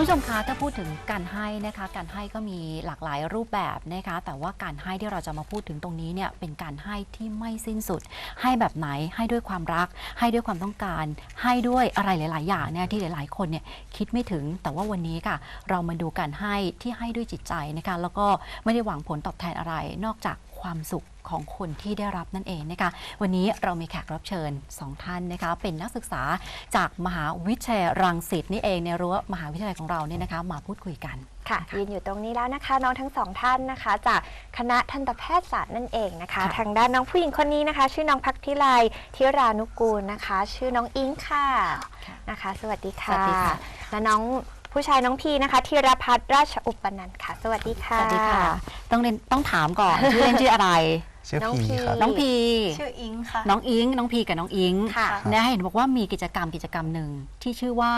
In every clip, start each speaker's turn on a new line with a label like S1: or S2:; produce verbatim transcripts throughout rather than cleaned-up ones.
S1: คุณผู้ชมคะถ้าพูดถึงการให้นะคะการให้ก็มีหลากหลายรูปแบบนะคะแต่ว่าการให้ที่เราจะมาพูดถึงตรงนี้เนี่ยเป็นการให้ที่ไม่สิ้นสุดให้แบบไหนให้ด้วยความรักให้ด้วยความต้องการให้ด้วยอะไรหลายๆอย่างเนี่ยที่หลายๆคนเนี่ยคิดไม่ถึงแต่ว่าวันนี้ค่ะเรามาดูการให้ที่ให้ด้วยจิตใจนะคะแล้วก็ไม่ได้หวังผลตอบแทนอะไรนอกจากความสุขของคนที่ได้รับนั่นเองนะคะวันนี้เรามีแขกรับเชิญสองท่านนะคะเป็นนักศึกษาจากมหาวิทยาลัยรังสิตนี่เองในรั้วมหาวิทยาลัยของเราเนี่ยนะคะมาพูดคุยกัน
S2: ค่ะยืนอยู่ตรงนี้แล้วนะคะน้องทั้งสองท่านนะคะจากคณะทันตแพทยศาสตร์นั่นเองนะคะทางด้านน้องผู้หญิงคนนี้นะคะชื่อน้องพักธิไลธิรานุกูลนะคะชื่อน้องอิงค่ะนะคะสวัสดีค่ะและน้องผู้ชายน้องพีนะคะธีรพัฒน์ราชอุปนันท์ค่ะสวัสดีค่ะ
S1: สวัสดีค่ะต้องเรียนต้องถามก่อนชื่อเล่นชื่ออะไร
S3: ชื่อพีครับ
S1: น้องพี
S4: ชื่ออิงค่ะ
S1: น้องอิงน้องพีกับน้องอิง
S2: ค่ะ
S1: เนี่ยเห็นบอกว่ามีกิจกรรมกิจกรรมหนึ่งที่ชื่อว่า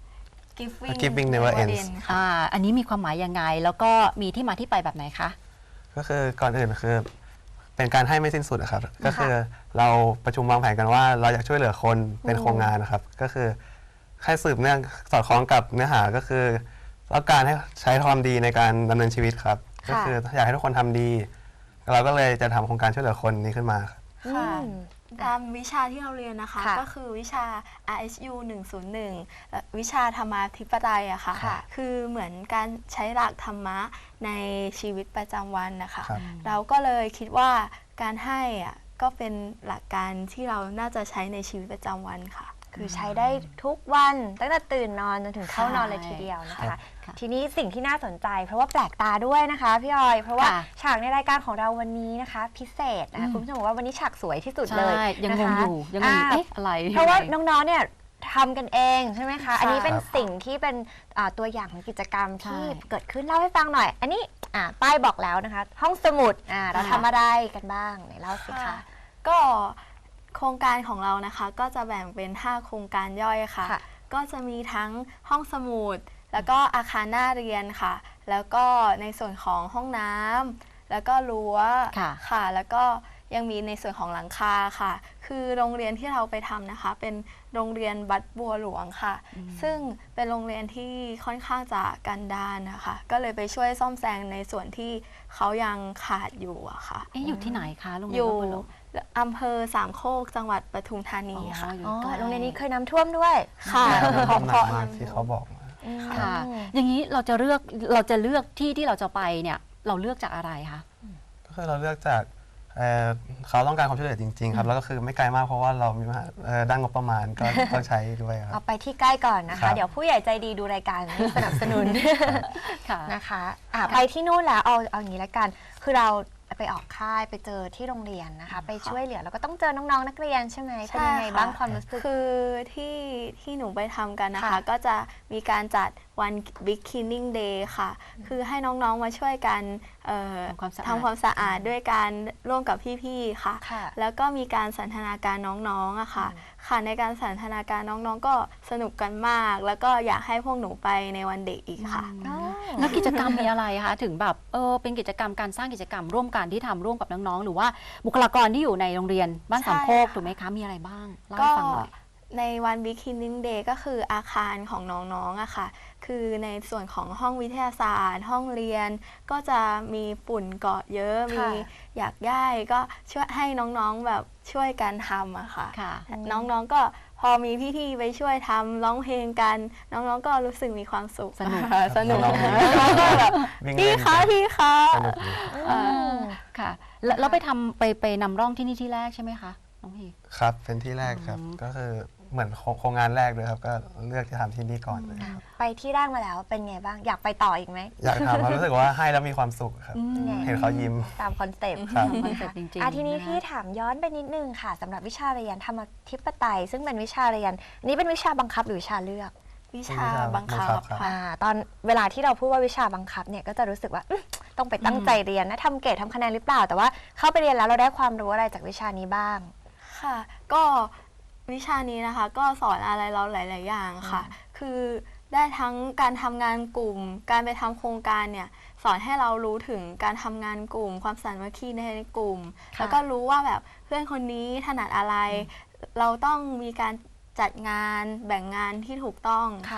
S4: Giving,
S3: Giving Never Ends
S1: อ่าอันนี้มีความหมายยังไงแล้วก็มีที่มาที่ไปแบบไหนคะ
S3: ก็คือก่อนอื่นคือเป็นการให้ไม่สิ้นสุดครับก็คือเราประชุมวางแผนกันว่าเราอยากช่วยเหลือคนเป็นโครงงานนะครับก็คือให้สืบเนื่องสอดคล้องกับเนื้อหาก็คือต้องการให้ใช้ความดีในการดำเนินชีวิตครับก็คืออยากให้ทุกคนทำดีเราก็เลยจะทำโครงการช่วยเหลือคนนี้ขึ้นมา
S4: ค่ะตามวิชาที่เราเรียนนะคะก็คือวิชา อาร์ เอส ยู หนึ่งศูนย์หนึ่งและวิชาธรรมาธิปไตยอะค่ะคือเหมือนการใช้หลักธรรมะในชีวิตประจำวันนะคะเราก็เลยคิดว่าการให้อะก็เป็นหลักการที่เราน่าจะใช้ในชีวิตประจำวันค่ะ
S2: คือใช้ได้ทุกวันตั้งแต่ตื่นนอนจนถึงเข้านอนเลยทีเดียวนะคะทีนี้สิ่งที่น่าสนใจเพราะว่าแปลกตาด้วยนะคะพี่ออยเพราะว่าฉากในรายการของเราวันนี้นะคะพิเศษนะคะคุณผู้ชมบอกว่าวันนี้ฉากสวยที่สุดเลย
S1: ยังงงอยู่ยังงงเอ๊ะอะไร
S2: เพราะว่าน้องๆเนี่ยทำกันเองใช่ไหมคะอันนี้เป็นสิ่งที่เป็นตัวอย่างของกิจกรรมที่เกิดขึ้นเล่าให้ฟังหน่อยอันนี้ป้ายบอกแล้วนะคะห้องสมุดเราทำอะไรกันบ้างไหนเล่าสิคะ
S4: ก็โครงการของเรานะคะก็จะแบ่งเป็นห้าโครงการย่อยค่ะก็จะมีทั้งห้องสมุดแล้วก็อาคารหน้าเรียนค่ะแล้วก็ในส่วนของห้องน้ำแล้วก็รั้วค่ะแล้วก็ยังมีในส่วนของหลังคาค่ะคือโรงเรียนที่เราไปทำนะคะเป็นโรงเรียนบัดบัวหลวงค่ะซึ่งเป็นโรงเรียนที่ค่อนข้างจะกันดารนะคะก็เลยไปช่วยซ่อมแซมในส่วนที่เขายังขาดอยู่อะค่ะ
S1: อยู่ที่ไหนคะโรงเรี
S4: ยนบัดบัวหลวงอำเภอสามโคกจังหวัดปทุมธานีค่ะ
S2: โรงเรียนนี้เคยน้ำท่วมด้วย
S4: ค่ะ
S3: ขอบคุณมากที่เขาบอก
S1: ค่ะอย่างนี้เราจะเลือกเราจะเลือกที่ที่เราจะไปเนี่ยเราเลือกจากอะไรคะ
S3: ก็คือเราเลือกจากเขาต้องการความช่วยเหลือจริงๆครับแล้วก็คือไม่ไกลมากเพราะว่าเรามีด้านงบประมาณก็ต้องใช้ด้วยครับ
S2: เอาไปที่ใกล้ก่อนนะคะเดี๋ยวผู้ใหญ่ใจดีดูรายการสนับสนุนนะคะไปที่นู่นแล้วเอาเอาอย่างนี้ละกันคือเราไปออกค่ายไปเจอที่โรงเรียนนะคะไปช่วยเหลือแล้วก็ต้องเจอน้องๆนักเรียนใช่ไหมเป็นยังไงบ้างความรู้สึก
S4: คือที่ที่หนูไปทำกันนะคะก็จะมีการจัดวัน Big Cleaning Day ค่ะคือให้น้องๆมาช่วยกันทำความสะอาดด้วยการร่วมกับพี่ๆค่ะแล้วก็มีการสันทนาการน้องๆอะค่ะค่ะในการสันทนาการน้องๆก็สนุกกันมากแล้วก็อยากให้พวกหนูไปในวันเด็กอีกค่ะ
S1: แล้วกิจกรรมมีอะไรคะถึงแบบเออเป็นกิจกรรมการสร้างกิจกรรมร่วมกันที่ทำร่วมกับน้องๆหรือว่าบุคลากรที่อยู่ในโรงเรียนบ้านสามโคกถูกไหมคะมีอะไรบ้างเล่าให้ฟังหน่อย
S4: ในวัน Beginning Day ก็คืออาคารของน้องๆอะค่ะคือในส่วนของห้องวิทยาศาสตร์ห้องเรียนก็จะมีฝุ่นเกาะเยอะมีอยากได้ก็ช่วยให้น้องๆแบบช่วยกันทำอะค่ะน้องๆก็พอมีพี่ๆไปช่วยทำร้องเพลงกันน้องๆก็รู้สึกมีความสุข
S1: สนุก
S4: สนุกแบบพี่คะพี่คะ
S1: ค่ะแล้วไปทำไปไปนำร่องที่นี่ที่แรกใช่ไหมคะน้องพี
S3: ครับเป็นที่แรกครับก็คือเหมือนโครงงานแรกเลยครับก็เลือกจะทำที่นี่ก่อนเลย
S2: ไปที่แรกมาแล้วเป็นไงบ้างอยากไปต่ออีกไหม
S3: อยากทำรู้สึกว่าให้แล้วมีความสุขครับเห็นเขายิ้ม
S2: ตามคอนเซ็ปต์
S1: คอนเซ็ปต์จริงๆ
S2: ทีนี้พี่ถามย้อนไปนิดนึงค่ะสำหรับวิชาเรียนธรรมธิปไตยซึ่งเป็นวิชาเรียนนี้เป็นวิชาบังคับหรือวิชาเลือก
S4: วิชาบังคับค่ะ
S2: ตอนเวลาที่เราพูดว่าวิชาบังคับเนี่ยก็จะรู้สึกว่าต้องไปตั้งใจเรียนนะทำเกรดทำคะแนนหรือเปล่าแต่ว่าเข้าไปเรียนแล้วเราได้ความรู้อะไรจากวิชานี้บ้าง
S4: ค่ะก็วิชานี้นะคะก็สอนอะไรเราหลายๆอย่างค่ะคือได้ทั้งการทำงานกลุ่มการไปทำโครงการเนี่ยสอนให้เรารู้ถึงการทำงานกลุ่มความสามัคคีในกลุ่มแล้วก็รู้ว่าแบบเพื่อนคนนี้ถนัดอะไรเราต้องมีการจัดงานแบ่งงานที่ถูกต้องค่ะ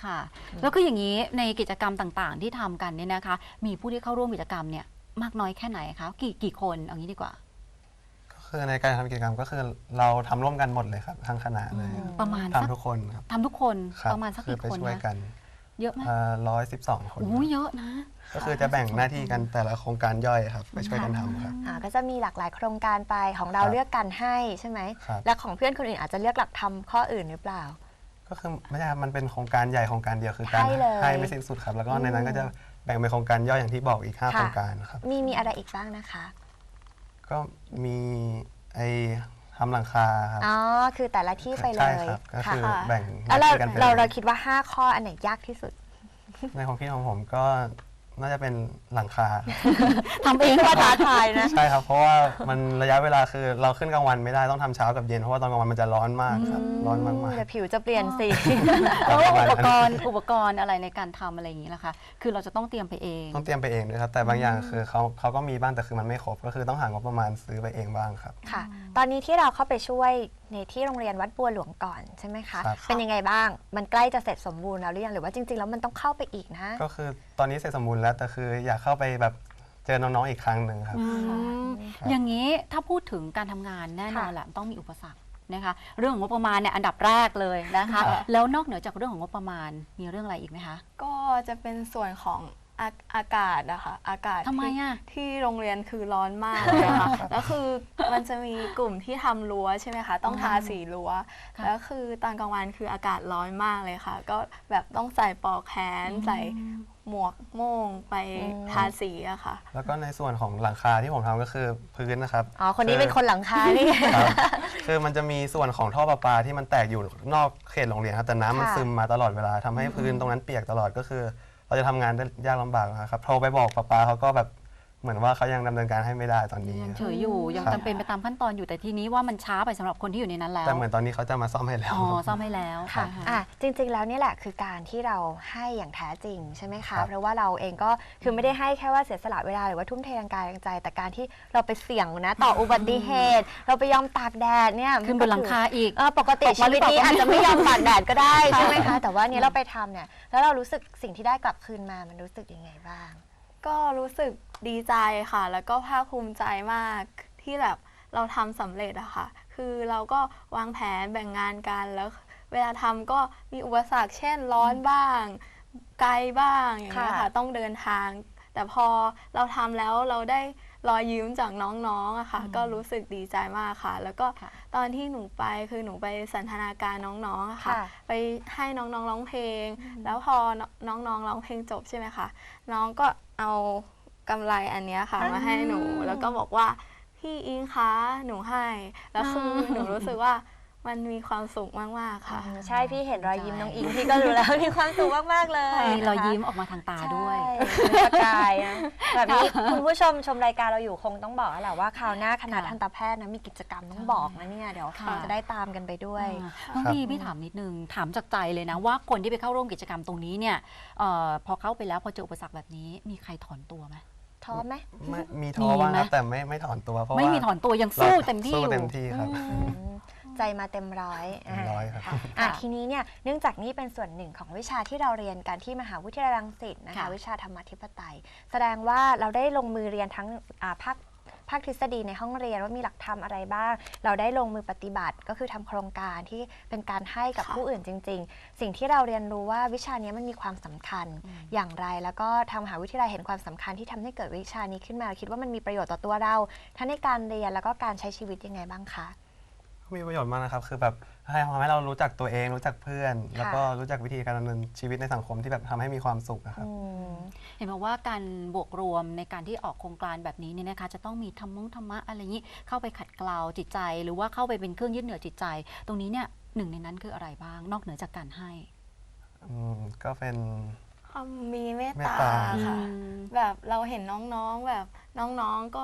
S1: ค่ะ แล้วก็อย่างนี้ในกิจกรรมต่างๆ ที่ทำกันเนี่ยนะคะ มีผู้ที่เข้าร่วมกิจกรรมเนี่ยมากน้อยแค่ไหนคะกี่กี่คนเอางี้ดีกว่า
S3: ก็คือในการทำกิจกรรมก็คือเราทำร่วมกันหมดเลยครับทั้งคณะเลย
S1: ประมาณสัก
S3: ทำทุกคนครับ
S1: ทำทุกคน
S3: ครับ
S1: ประมาณสัก
S3: คือ
S1: กี่
S3: ไป
S1: คน
S3: ช่วย
S1: นะ
S3: กัน
S1: เยอะไหม
S3: ร้อยสิบสองคน
S1: โอ้ยเยอะนะ
S3: ก็คือจะแบ่งหน้าที่กันแต่ละโครงการย่อยครับไปช่วยกันทำครับ
S2: อ่าก็จะมีหลากหลายโครงการไปของเรา
S3: ครับ
S2: เลือกการให้ใช่ไหม
S3: ครับ
S2: และของเพื่อนคนอื่นอาจจะเลือกหลักทำข้ออื่นหรือเปล่า
S3: ก็คือไม่ใช่ครับมันเป็นโครงการใหญ่โครงการเดียวคือการ
S2: ให้เลย
S3: ให้ไม่สิ้นสุดครับ แล้วก็ในนั้นก็จะแบ่งเป็นโครงการย่อยอย่างที่บอกอีกห้า
S2: ค่ะ
S3: โครงการครับ
S2: มีมีอะไรอีกบ้างนะคะ
S3: ก็มีไอ้ทำหลังคาครับ
S2: อ๋อ คือแต่ละที่ไปเล
S3: ใช่
S2: ย
S3: ครับก็
S2: ค่ะ
S3: คือแบ่งห
S2: แล้ว
S3: น้า
S2: เรา
S3: ที่กันไป
S2: เรา
S3: ล
S2: เรา
S3: ย
S2: คิดว่า ห้า ข้ออันไหนยากที่สุด
S3: ในความคิดของผมก็น่าจะเป็นหลังคา
S1: ทำเองก็ท้าทายนะ
S3: ใช่ครับ เพราะว่ามันระยะเวลาคือเราขึ้นกลางวันไม่ได้ต้องทำเช้ากับเย็นเพราะว่าตอนกลางวันมันจะร้อนมากครับร้อนมาก
S2: เดี๋ยวผิวจะเปลี่ยนสี
S3: ๆ
S1: แล้ว
S3: ประมา
S1: อุ
S3: ณ
S1: ป
S3: นั้น
S1: กรณ์อุปกรณ์อะไรในการทำอะไรอย่างนี้ล่ะคะ คือเราจะต้องเตรียมไปเอง
S3: ต้องเตรียมไปเองด้วยครับแต่บางอย่างคือเขาเขาก็มีบ้างแต่คือมันไม่ครบก็คือต้องหางบประมาณซื้อไปเองบ้างครับ
S2: ค่ะ ตอนนี้ที่เราเข้าไปช่วยในที่โรงเรียนวัดบัวหลวงก่อนใช่ไหมคะ
S3: ครับ
S2: เป็นยังไงบ้าง มันใกล้จะเสร็จสมบูรณ์แล้วหรือยัง หรือว่าจริงๆ แล้วมันต้องเข้าไปอีกนะ
S3: ก็คือตอนนี้เสร็จสมบูรณ์แล้วแต่คืออยากเข้าไปแบบเจอน้องๆอีกครั้งหนึ่งครับ
S1: อืม
S3: ครับ
S1: อย่างนี้ถ้าพูดถึงการทำงานแน่นอน
S2: ค่ะ
S1: แหละต้องมีอุปสรรคนะคะ เรื่องของงบประมาณเนี่ยอันดับแรกเลยนะคะ
S3: ครับ
S1: แล้วนอกเหนือจากเรื่องของงบประมาณมีเรื่องอะไรอีกไหมคะ
S4: ก็จะเป็นส่วนของอาอากาศนะคะอากาศ
S1: ทำไม
S4: ที่
S1: อะ
S4: ที่โรงเรียนคือร้อนมากเลยค่ะแล้วคือมันจะมีกลุ่มที่ทำรั้วใช่ไหมคะต้องทาสีรั้ว
S1: ค่ะ
S4: แล้วคือตอนกลางวันคืออากาศร้อนมากเลยค่ะ ก็แบบต้องใส่ปลอกแขนใส่หมวกโม่งไป
S2: อืม
S4: ทาสีอะค่ะ
S3: แล้วก็ในส่วนของหลังคาที่ผมทำก็คือพื้นนะครับ
S2: อ๋อ คนนี้เป็นคนหลังคานี่
S3: ครับคือมันจะมีส่วนของท่อประปาที่มันแตกอยู่นอกเขตโรงเรียนครับแต่น้ำมัน
S2: ค่ะ
S3: ซึมมาตลอดเวลาทำให้พื้นตรงนั้นเปียกตลอดก็คือ เราจะทำงานได้ยากลำบากนะครับโทรไปบอกประปาเขาก็แบบเหมือนว่าเขายังดำเนินการให้ไม่ได้ตอนนี้
S1: ยัง
S3: ค
S1: เฉ
S3: รับ
S1: ยอยู่ยัง
S3: ครับ
S1: จำเป็นไปตามขั้นตอนอยู่แต่ทีนี้ว่ามันช้าไปสำหรับคนที่อยู่ในนั้นแล้ว
S3: แต่เหมือนตอนนี้เขาจะมาซ่อมให้แล้ว
S1: อ๋อซ่อมให้แล้ว
S2: ค่ะ
S1: น
S2: อ่ะ จริงๆ แล้วนี่แหละคือการที่เราให้อย่างแท้จริงใช่ไหม
S3: ครั
S2: คะ
S3: บ
S2: เพราะว่าเราเองก็คือไม่ได้ให้แค่ว่าเสียสละเวลาหรือว่าทุ่มเททางกายทางใจ แต่การที่เราไปเสี่ยงนะต่ออุบัติเหตุ เราไปยอมตากแดดเนี่ย
S1: ขึ้นบนหลังคาอีก
S2: เออปกติ
S1: ตกมา
S2: ชี
S1: หรื
S2: วิ
S1: อ
S2: ต
S1: เปล่า
S2: นี้อาจจะไม่ยอมตากแดดก็ได้ใช่ไหม
S1: ค่ะ
S2: คะ แต่ว่าเนี้เราไปทำเนี่ย แล้วเรารู้สึกสิ่งที่ได้กลับคืนมามันรู้สึกยังไงบ้าง
S4: ก็รู้สึกดีใจค่ะ แล้วก็ภาคภูมิใจมากที่แบบเราทำสำเร็จอะค่ะ คือเราก็วางแผนแบ่งงานกันแล้ว เวลาทำก็มีอุปสรรคเช่นร้อนบ้าง ไกลบ้างอย่างเงี้ย
S2: ค่ะ
S4: ค่ะ ต้องเดินทาง แต่พอเราทำแล้วเราได้รอยยิ้มจากน้องๆอะค่ะ ก็รู้สึกดีใจมากค่ะ แล้วก็
S1: ค่ะ
S4: ตอนที่หนูไปคือหนูไปสันทนาการน้องๆอะค่ะ
S2: ค่ะ
S4: ไปให้น้องๆร้องเพลง แล้วพอน้องๆร้องเพลงจบใช่ไหมคะ น้องก็เอากำไรอันเนี้ยค่ะมาให้หนู แล้วก็บอกว่าพี่อิงคะหนูให้ แล้วคือหนูรู้สึกว่ามันมีความสุขมากๆค่ะ
S2: ใช่พี่เห็นรอยยิ้มน้องอิงพี่ก็รู้แล้ว มีความสุขมากๆเลย
S1: มีรอย
S2: นะคะ
S1: ยิ้มออกมาทางตาด้วย
S2: ใช่มีประกายนะแบบนี้คุณผู้ชมชมรายการเราอยู่คงต้องบอกแล้วแหละว่าคราวหน้าคณะ
S1: ค่ะ
S2: ทันตแพทย์นะมีกิจกรรมต้องบอกนะเนี่ยเดี๋ยว
S1: ค่ะ
S2: จะได้ตามกันไปด้วย
S1: อ่าน้องพี่พี่ถามนิดนึงถามจากใจเลยนะว่าคนที่ไปเข้าร่วมกิจกรรมตรงนี้เนี่ยเออพอเข้าไปแล้วพอเจออุปสรรคแบบนี้มีใครถอนตัวไหม
S2: ท้อไหม
S3: ไม่มีท้อบ้างครับ
S1: มีไหม
S3: แต่ไม่ไม่ถอนตัวเพราะว่า
S1: ไม่มีถอนตัวยังสู้เต็มที่
S3: สู้
S1: อยู่
S3: เต็มที่ครับ
S2: อืมใจมาเต็มร้อย
S3: เต็มร้อยครับ
S2: ะอ่ะทีนี้เนี่ยเนื่องจากนี่เป็นส่วนหนึ่งของวิชาที่เราเรียนกันที่มหาวิทยาลัยรังสิตนะคะ
S1: ค่ะ
S2: วิชาธรรมาธิปไตย แสดงว่าเราได้ลงมือเรียนทั้งอ่าภาคภาคทฤษฎีในห้องเรียนว่ามีหลักธรรมอะไรบ้าง เราได้ลงมือปฏิบัติก็คือทำโครงการที่เป็นการให้กับ
S4: ค่ะ
S2: ผู้อื่นจริง ๆ สิ่งที่เราเรียนรู้ว่าวิชานี้มันมีความสำคัญอย่างไร แล้วก็ทางมหาวิทยาลัยเห็นความสำคัญที่ทำให้เกิดวิชานี้ขึ้นมาคิดว่ามันมีประโยชน์ต่อตัวเราทั้งในการเรียนแล้วก็การใช้ชีวิตยังไงบ้างคะ
S3: มีประโยชน์มากนะครับ คือแบบให้ทำให้เรารู้จักตัวเองรู้จักเพื่อน แล้วก็รู้จักวิธีการดำเนินชีวิตในสังคมที่แบบทำให้มีความสุขนะครับ
S2: อืม
S1: เห็นบอกว่าการบวกรวมในการที่ออกโครงการแบบนี้เนี่ยนะคะจะต้องมีธรรมงธรรมะอะไรอย่างนี้เข้าไปขัดเกลาจิตใจ หรือว่าเข้าไปเป็นเครื่องยึดเหนี่ยวจิตใจ ตรงนี้เนี่ยหนึ่งในนั้นคืออะไรบ้าง นอกเหนือจากการให้
S3: อืมก็เป็น
S4: ความมีเมต
S3: เมต
S4: ตา
S3: ตา
S4: ค่ะ
S1: อืม
S4: แบบเราเห็นน้องๆแบบน้องๆก็แบบ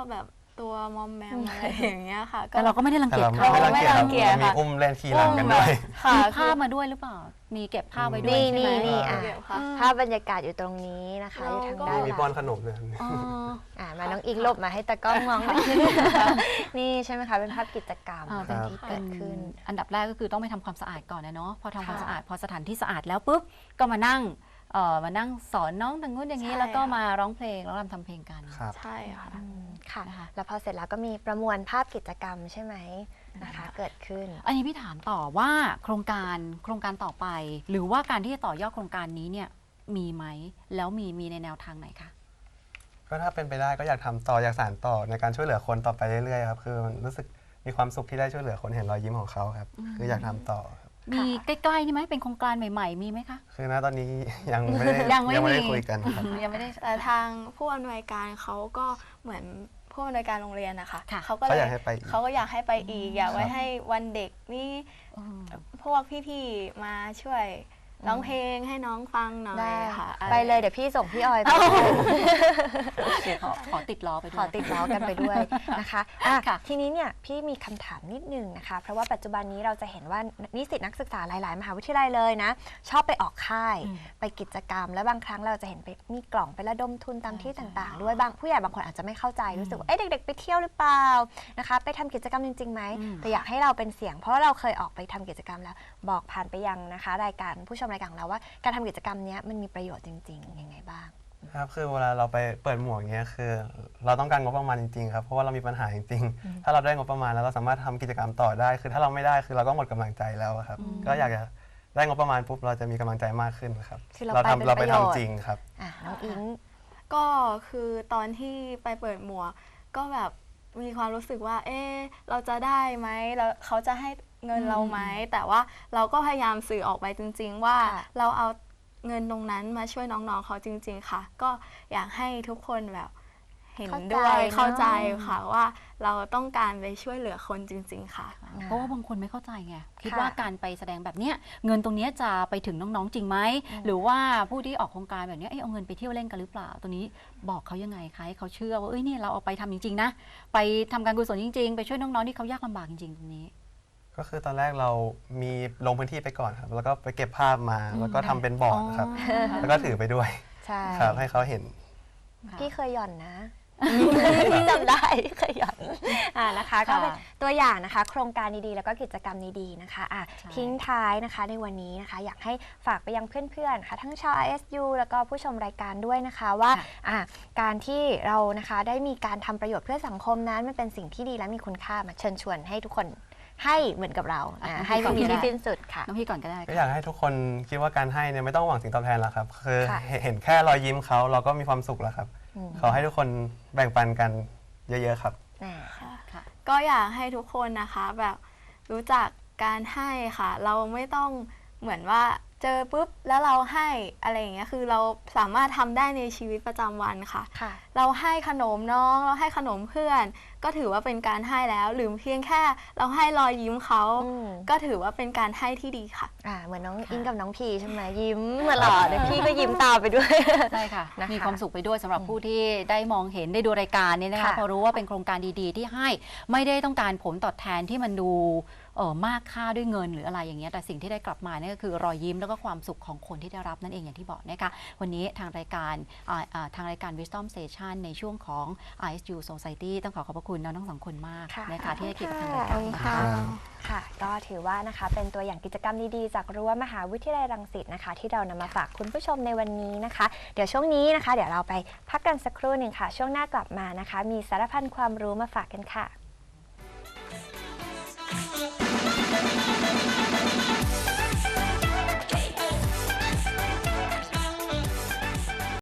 S4: ตัวมอมแมมอะไรอย่างเงี้ยค่ะ
S1: แต่เราก็ไม่ได้รัง
S3: แต่
S1: เกียจ
S3: เรา
S1: เขา
S3: ไม่รังเกียจครับ
S4: ไม่รังเกียจ
S3: มี
S4: ค่ะ
S3: อุ้มเล่นขี่หลังกันด้วย
S4: ค่ะ
S1: มีภาพมาด้วยหรือเปล่า มีเก็บภาพไว้ด้วย
S2: นี่
S1: ใช่ไหม
S2: นี่นี่อ่ะ
S4: เดี๋ยวค่ะ
S2: ภาพบรรยากาศอยู่ตรงนี้นะคะ อยู่ทางด้านห
S3: มี
S2: ลัง
S3: ป้อนขนมเลย
S1: อ๋อ
S2: อ่ามาน้องอิงหลบมาให้ตากล้องมองหน่อยนี่ใช่ไหมคะเป็นภาพกิจกรรม
S1: อ่า
S2: เป็นที่เกิดขึ้น
S1: อันดับแรกก็คือต้องไปทำความสะอาดก่อนนะเนาะพอทำความ
S2: ค่ะ
S1: สะอาดพอสถานที่สะอาดแล้วปุ๊บก็มานั่งเอ่อมานั่งสอนน้องทางนู้นอย่างนี้
S4: ใช่
S1: แล้วก็
S4: ค่ะ
S1: มาร้องเพลงแล้วรำทำเพลงกัน
S3: ครับ
S4: ใช่ค่ะ
S2: อืมค่ะ
S1: นะคะ
S2: แล้วพอเสร็จแล้วก็มีประมวลภาพกิจกรรมใช่ไหมนะคะ เกิดขึ้น
S1: อันนี้พี่ถามต่อว่าโครงการโครงการต่อไป หรือว่าการที่จะต่อยอดโครงการนี้เนี่ยมีไหมแล้วมีมีในแนวทางไหนคะ
S3: ก็ถ้าเป็นไปได้ก็อยากทำต่ออยากสานต่อในการช่วยเหลือคนต่อไปเรื่อยๆครับคือมันรู้สึกมีความสุขที่ได้ช่วยเหลือคนเห็นรอยยิ้มของเขาครับ
S1: อืม
S3: คืออยากทำต่อครับ
S1: มีใกล้ๆนี่ไหมเป็นโครงการใหม่ๆมีไหมคะ
S3: คือณตอนนี้ยังไม่ได้
S1: ยังไม่
S3: ไม่ได้
S1: มี
S3: คุยกันครับ
S1: ยังไม่ได้
S4: แต่ทางผู้อำนวยการเขาก็เหมือนผู้อำนวยการโรงเรียนนะคะ
S1: ค่ะ
S4: เขาก็
S3: เขา
S4: เล
S3: อย ยากให้ไปอีก
S4: เขาก็อยากให้ไปอีก อยากไว้
S3: ครับ
S4: ให้วันเด็กนี่
S1: อืม
S4: พวกพี่ๆมาช่วยร้องเพลงให้น้องฟังหน่อย
S2: ได้
S4: ค่ะ
S2: ไปเลยเดี๋ยวพี่ส่งพี่ออยไป
S1: เดี๋ยวขอขอติดล้อไปด้
S2: ข
S1: ว
S2: อย ติดล้อกันไปด้วยนะคะอ่ะ
S1: ค่ะ
S2: ทีนี้เนี่ยพี่มีคำถามนิดนึงนะคะ เพราะว่าปัจจุบันนี้เราจะเห็นว่านิสิตนักศึกษาหลาย ๆ มหาวิทยาลัยเลยนะ ชอบไปออกค่าย
S1: อืม
S2: ไปกิจกรรม แล้วบางครั้งเราจะเห็นไปมีกล่องไประดมทุนตามที่
S1: ใช่
S2: ต่าง ๆ ด้วยบางผู้ใหญ่บางคนอาจจะไม่เข้าใจ
S1: อืม
S2: รู้สึกว่าเอ๊ะเด็ก ๆ ไปเที่ยวหรือเปล่านะคะไปทำกิจกรรมจริงๆไหม
S1: อืม
S2: แต่อยากให้เราเป็นเสียง เพราะว่าเราเคยออกไปทำกิจกรรมแล้วบอกผ่านไปยังนะคะ รายการผู้ชมรายการของเราว่าการทำกิจกรรมเนี้ยมันมีประโยชน์จริงๆยังไงบ้าง
S3: ครับคือเวลาเราไปเปิดหมวกเงี้ยคือ เราต้องการงบประมาณจริงๆครับเพราะว่าเรามีปัญหาจริงๆ ถ้าเราได้งบประมาณแล้วเราสามารถทำกิจกรรมต่อได้ คือถ้าเราไม่ได้คือเราก็หมดกำลังใจแล้วอะครับ
S1: อืม
S3: ก็อยากจะได้งบประมาณปุ๊บเราจะมีกำลังใจมากขึ้นครับ
S2: คือเรา
S3: เรา
S2: ไปเป็น
S3: ทำเราไป
S2: ประโยชน์
S3: ทำจริงครับ
S2: อ่ะน้องอิง
S4: ก็คือตอนที่ไปเปิดหมวกก็แบบมีความรู้สึกว่า เอ๊ะเราจะได้ไหมแล้วเขาจะให้เงินเราไหม แต่ว่าเราก็พยายามสื่อออกไปจริง ๆ ว่า
S2: ค่ะ
S4: เราเอาเงินตรงนั้นมาช่วยน้องๆเขาจริง ๆ ค่ะ ก็อยากให้ทุกคนแบบเห็นด้วยเข้าใจค่ะว่าเราต้องการไปช่วยเหลือคนจริง ๆ ค่ะ
S1: เพราะว่าบางคนไม่เข้าใจไงคิด
S2: ค่ะ
S1: ว่าการไปแสดงแบบเนี้ยเงินตรงเนี้ยจะไปถึงน้องๆจริงไหม
S2: อืม
S1: หรือว่าผู้ที่ออกโครงการแบบเนี้ยเอ้ยเอาเงินไปเที่ยวเล่นกันหรือเปล่าตัวนี้บอกเขายังไงคะให้เขาเชื่อว่าเอ้ยเนี่ยเราเอาไปทำจริงๆนะไปทำการกุศลจริง ๆ ไปช่วยน้องๆที่เขายากลำบากจริงๆตรงนี้
S3: ก็คือตอนแรกเรามีลงพื้นที่ไปก่อนครับ แล้วก็ไปเก็บภาพมา
S1: อืม
S3: แล้วก็ทำเป็นบอร์ดครับ
S1: อ๋อ
S3: แล้วก็ถือไปด้วย
S2: ใช่
S3: ครับให้เขาเห็น
S1: ค่ะ
S2: พี่เคยหย่อนนะ พี่จำได้พี่เคยหย่อนอ่านะคะ ก็เป็นตัวอย่างนะคะ โครงการดีๆ แล้วก็กิจกรรมดีๆนะคะอ่ะ
S1: ใช่
S2: ทิ้งท้ายนะคะในวันนี้นะคะ อยากให้ฝากไปยังเพื่อนๆค่ะทั้งชาว อาร์ เอส ยู แล้วก็ผู้ชมรายการด้วยนะคะว่าอ่ะการที่เรานะคะได้มีการทำประโยชน์เพื่อสังคมนั้นมันเป็นสิ่งที่ดีและมีคุณค่ามาเชิญชวนให้ทุกคนให้เหมือนกับเรานะให้ไม่มีที่สิ้นสุดค่ะ
S1: น้องพี่ก่อนก็ได้
S3: ก็
S1: ค่ะ
S3: อยากให้ทุกคนคิดว่าการให้เนี่ยไม่ต้องหวังสิ่งตอบแทนหรอกครับ คือ
S2: ค่ะ
S3: เห็นเห็นแค่รอยยิ้มเขาเราก็มีความสุขแล้วครับ
S2: อืม
S3: ขอให้ทุกคนแบ่งปันกันเยอะๆครับ
S2: อ่า
S1: ค่ะ
S4: ก็อยากให้ทุกคนนะคะแบบรู้จักการให้ค่ะ เราไม่ต้องเหมือนว่าเจอปุ๊บแล้วเราให้อะไรอย่างเงี้ยคือเราสามารถทำได้ในชีวิตประจำวันค่ะ
S2: ค่ะ
S4: เราให้ขนมน้องเราให้ขนมเพื่อน ก็ถือว่าเป็นการให้แล้ว หรือเพียงแค่เราให้รอยยิ้มเขา
S2: อืม
S4: ก็ถือว่าเป็นการให้ที่ดีค่ะ
S2: อ่าเหมือนน้องอิงกับน้องพีใช่ไหมยิ้มตลอดเดี๋ยวพี่ก็ยิ้มตามไปด้วย
S1: ใช่ค่ะ
S2: นะคะ
S1: มีความสุขไปด้วยสำหรับผู้ที่ได้มองเห็นได้ดูรายการนี้นะคะ
S2: ค่ะ
S1: พอรู้ว่าเป็นโครงการดีๆ ที่ให้ไม่ได้ต้องการผลตอบแทนที่มันดูเออมากค่าด้วยเงินหรืออะไรอย่างเงี้ยแต่สิ่งที่ได้กลับมาเนี่ยก็คือรอยยิ้มแล้วก็ความสุขของคนที่ได้รับนั่นเองอย่างที่บอกนะคะวันนี้ทางรายการอ่าอ่าทางรายการ Wisdom Station ในช่วงของ อาร์ เอส ยู Society ต้องขอขอบพระคุณน้องทั้งสองคนมาก
S2: ค่ะ
S1: นะคะที่ให้เกียรติกับทาง
S2: ข
S1: รา
S2: อย บ
S1: กา
S2: คุ
S1: ร
S2: ณ
S1: นะ
S2: ค่ะ
S1: คะ
S2: ค่ะ ก็ถือว่านะคะเป็นตัวอย่างกิจกรรมดีๆ จากรั้วมหาวิทยาลัยรังสิตนะคะ ที่เรานำมาฝากคุณผู้ชมในวันนี้นะคะ เดี๋ยวช่วงนี้นะคะ เดี๋ยวเราไปพักกันสักครู่หนึ่งค่ะ ช่วงหน้ากลับมานะคะ มีสารพันความรู้มาฝากกันค่ะ